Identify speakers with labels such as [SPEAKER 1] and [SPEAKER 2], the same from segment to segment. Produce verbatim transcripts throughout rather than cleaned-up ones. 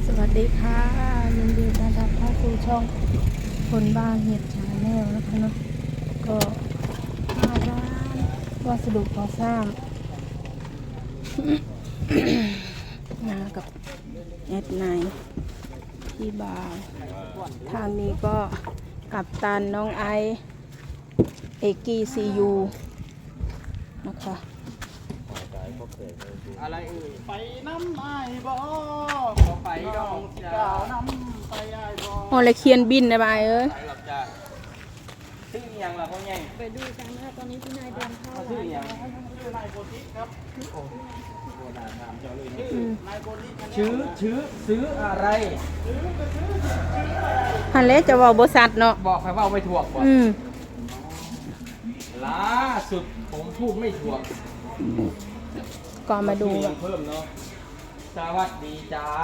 [SPEAKER 1] สวัสดีค่ะยินดีต้อนรับเข้าสู่ช่องคนบ้านเห็ดชาแนลนะคะเนาะก็มาร้านวัสดุก่อสร้าง มากับแอดไนที่บาร์ทางนี้ก็กับตันน้องไอเอกีซียูนะคะ
[SPEAKER 2] อะไรเอ่ยไปน้ำไอ้บ่ขอไปดองจ้าน้ำไปไอ้บ่
[SPEAKER 1] โอ้เลยเคียนบินได้ไหมเอ้ย
[SPEAKER 2] ไปหรอกจ้าชื่อยังล่ะพ่อใหญ่
[SPEAKER 1] ไปดูกันนะคะตอนนี้พี่นายเดินเข้า
[SPEAKER 2] ชื่อยังชื่อนายโบติครับโอ้โบราณถามเจ้าเลยนะนายโบติชื่อชื่อซื้ออะไร
[SPEAKER 1] ฮันเล่จะว่าบริษัทเนาะ
[SPEAKER 2] บอกใครว่าไม่ถูกบ่
[SPEAKER 1] อืม
[SPEAKER 2] ล่าสุดผมพูดไม่ถูก
[SPEAKER 1] ก็มาดู
[SPEAKER 2] ยังเพิ่มเนาะสวัสดีจ้า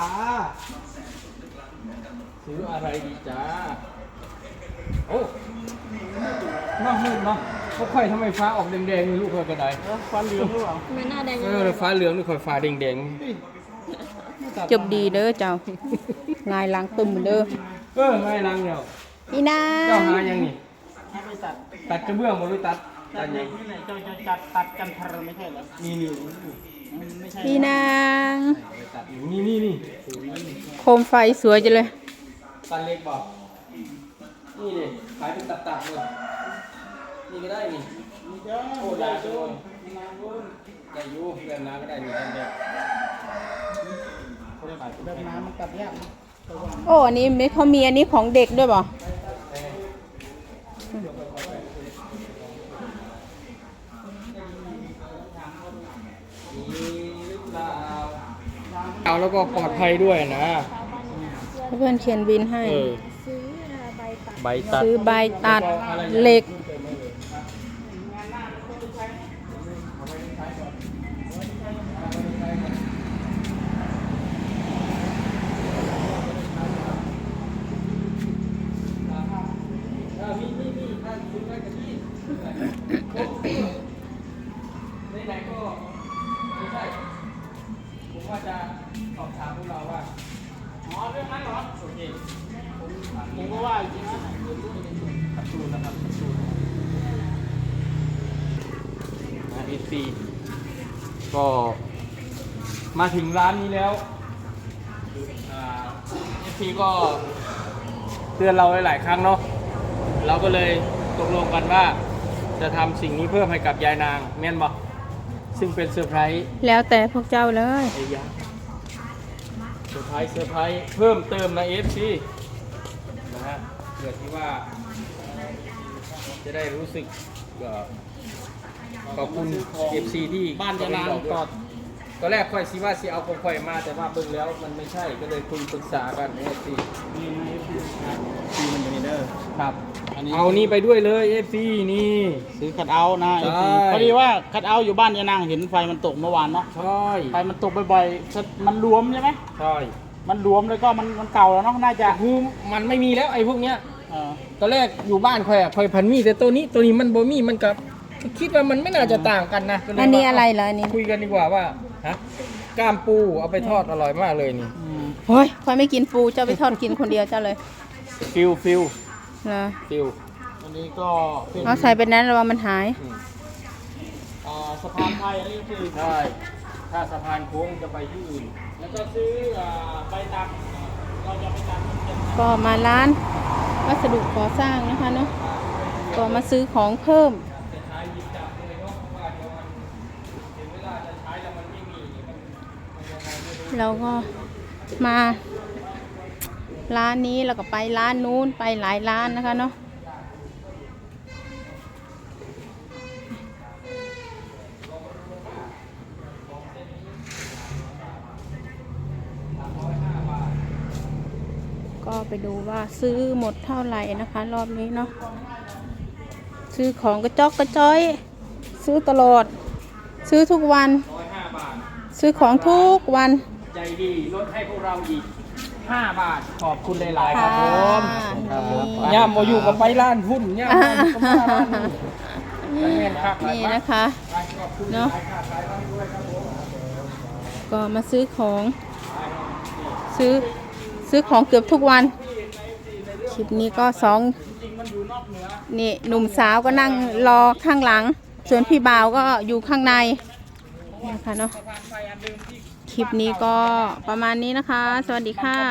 [SPEAKER 2] ซื้ออะไรดีจ้าโอ้น้องมืดเนาะเขาค่อยทำไมฟ้าออกแดงๆนี่ลูกเคยกระไดฟ้าเหลืองหรือเปล่า
[SPEAKER 1] ไม่น่าแดง
[SPEAKER 2] เออฟ้าเหลืองนี่ค่อยฟ้าแดง
[SPEAKER 1] จบดีเด้อเจ้า งายล้างตุ่มเด้อ
[SPEAKER 2] ๆเออไม่ลังเดียว
[SPEAKER 1] พี่นา
[SPEAKER 2] เจ้าหายังนี่
[SPEAKER 3] ไม่ตัด
[SPEAKER 2] ตัดกระเบื้องบ่หรือตัด
[SPEAKER 3] ตั
[SPEAKER 2] ตั
[SPEAKER 3] ด
[SPEAKER 2] ด
[SPEAKER 3] อ
[SPEAKER 2] ยั
[SPEAKER 3] ย่าง งนี้เลยเจ้าจะจัดตัดกันทรไม่ใช่เหรอ
[SPEAKER 2] นี่นี่
[SPEAKER 3] มันไม่ใช่
[SPEAKER 1] พี่นาง
[SPEAKER 2] ตัดอยู่นี่นี่นี่
[SPEAKER 1] โคมไฟสวยจังเลย
[SPEAKER 2] ตัดเล็กบอกนี่เลยขายเป็นตัดๆเลยนี่ก็ได้นี่
[SPEAKER 3] มีเยอะ
[SPEAKER 2] โอ้ได้ด้วยได้อยู่เรื่องน้ำก็ได้นี่ทำได้
[SPEAKER 3] เดินน้ำมันตัดยากนะระวัง
[SPEAKER 1] โอ้อันนี้ไม่เขามีอันนี้ของเด็กด้วยบ่
[SPEAKER 2] นี่หรือเปล่าเอาแล้วก็ปลอดภัยด้วยนะ
[SPEAKER 1] เพื่อนเขียนบินให้
[SPEAKER 2] เออใบตัด
[SPEAKER 1] ซื้อใบตัดเหล็ก
[SPEAKER 2] มีมีมีถ้าคุณได้กันที่ไหนๆก็ไม่ใช่ผมว่าจะสอบถามพวกเราว่า
[SPEAKER 3] อ๋อเรื่องนั้นเหรอ
[SPEAKER 2] โอเค
[SPEAKER 3] ผมก็ว่าจริงนะ
[SPEAKER 2] ขับตูนนะครับขับตูนนะเอฟซีก็มาถึงร้านนี้แล้วเอฟซีก็เตือนเราหลายๆครั้งเนาะเราก็เลยตกลงกันว่าจะทำสิ่งนี้เพิ่มให้กับยายนางแม่นบอกซึ่งเป็นเซอร์ไพรส์
[SPEAKER 1] แล้วแต่พวกเจ้าเลย
[SPEAKER 2] ไอ้ยาเซอร์ไพรส์เซอร์ไพรส์เพิ่มเติมใน เอฟ ซี นะฮะเพื่อที่ว่าจะได้รู้สึกเอ่อขอบคุณ เอฟ ซี ที่
[SPEAKER 3] บ้านจะนาน
[SPEAKER 2] ก่
[SPEAKER 3] ก่
[SPEAKER 2] อ
[SPEAKER 3] อน น
[SPEAKER 2] ตอนแรกค่อยซีว่าซีเอาของค่อยมาแต่ว่าเบิ่งแล้วมันไม่ใช่ก็เลยคุยปรึกษากัน เอฟ ซี
[SPEAKER 3] นี่นะซีมันอยู่ในเด้อ
[SPEAKER 2] ครับ
[SPEAKER 3] อันนี้
[SPEAKER 2] เอานี่ไปด้วยเลย เอฟ ซี นี่
[SPEAKER 3] ซื้อคัดเอาท์นะ
[SPEAKER 2] ใช่
[SPEAKER 3] พอดีว่าคัดเอาท์อยู่บ้านยานางเห็นไฟมันตกเมื่อวานเนาะ
[SPEAKER 2] ใช่
[SPEAKER 3] ไฟมันตกบ่อยๆมันรวมใช่ไหม
[SPEAKER 2] ใช่
[SPEAKER 3] มันรวมแล้วก็มันมันเก่าแล้วเนาะน่าจะ
[SPEAKER 2] คือมันไม่มีแล้วไอ้พวกเนี้ย
[SPEAKER 3] เออ
[SPEAKER 2] ตอนแรกอยู่บ้านค่อยอะค่อยพันมีแต่ตัวนี้ตัวนี้มันบ่มีมันกับคิดว่ามันไม่น่าจะต่างกันนะก็เลย
[SPEAKER 1] อันนี้
[SPEAKER 2] ว่า
[SPEAKER 1] อะไรเหรออันนี้
[SPEAKER 2] คุยกันดีกว่าว่าฮะกล้ามปูเอาไปทอดอร่อยมากเลยนี่
[SPEAKER 3] อืม
[SPEAKER 1] โอ้ยคอยไม่กินปูเจ้าไปทอดกินคนเดียวเจ้าเลย
[SPEAKER 2] ฟิลฟิล
[SPEAKER 1] นะ
[SPEAKER 2] ฟิล
[SPEAKER 3] อันนี้ก็เป็น
[SPEAKER 1] เอาใส่ไปนั้นระวังมันหาย
[SPEAKER 3] อ่าสะพานไทยอันนี้คือ
[SPEAKER 2] ใช่ถ้าสะพานโค้งจะไปที่อื่น
[SPEAKER 3] แล้วก็ซื้ออ่าใบตัดเราจะไปตัดเป็น
[SPEAKER 1] ก็มาร้านวัสดุก่อสร้างนะคะเนาะก็มาซื้อของเพิ่ม
[SPEAKER 2] จะใช้ยิบจับเลยเนาะเพราะว่าเดี๋ยวมันถึงเวลาจะใช้แล้วมันไม่มีมันมันยังไงไม่รู้
[SPEAKER 1] เราก็มาร้านนี้แล้วก็ไปร้านนู้นไปหลายร้านนะคะเนาะก็ไปดูว่าซื้อหมดเท่าไหร่นะคะ รอบนี้เนาะซื้อของกระจอกกระจ้อย ซื้อตลอด ซื้อทุกวัน
[SPEAKER 2] ร้อยห้าบาท
[SPEAKER 1] ซื้อของทุกวัน
[SPEAKER 2] ใจดีลดให้พวกเราอีกห้าบาทขอบคุณหลายๆครับผม
[SPEAKER 1] ครับผม
[SPEAKER 2] ย่ามมาอยู่กับไปร้านหุ้นย่ามมาอยู่กับไปร้านหุ้นแม่นครับ
[SPEAKER 1] นี่นะคะ
[SPEAKER 2] ขอบคุณ
[SPEAKER 1] เนาะ
[SPEAKER 2] หลายครับหลายท่านด้วยครับผม
[SPEAKER 1] ก็มาซื้อของ ซื้อซื้อของเกือบทุกวัน คลิปนี้ก็สองนี่หนุ่มสาวก็นั่งรอข้างหลัง ส่วนพี่บ่าวก็อยู่ข้างในนะคะเนาะ คลิปนี้ก็ประมาณนี้นะคะ สวัสดีค่ะ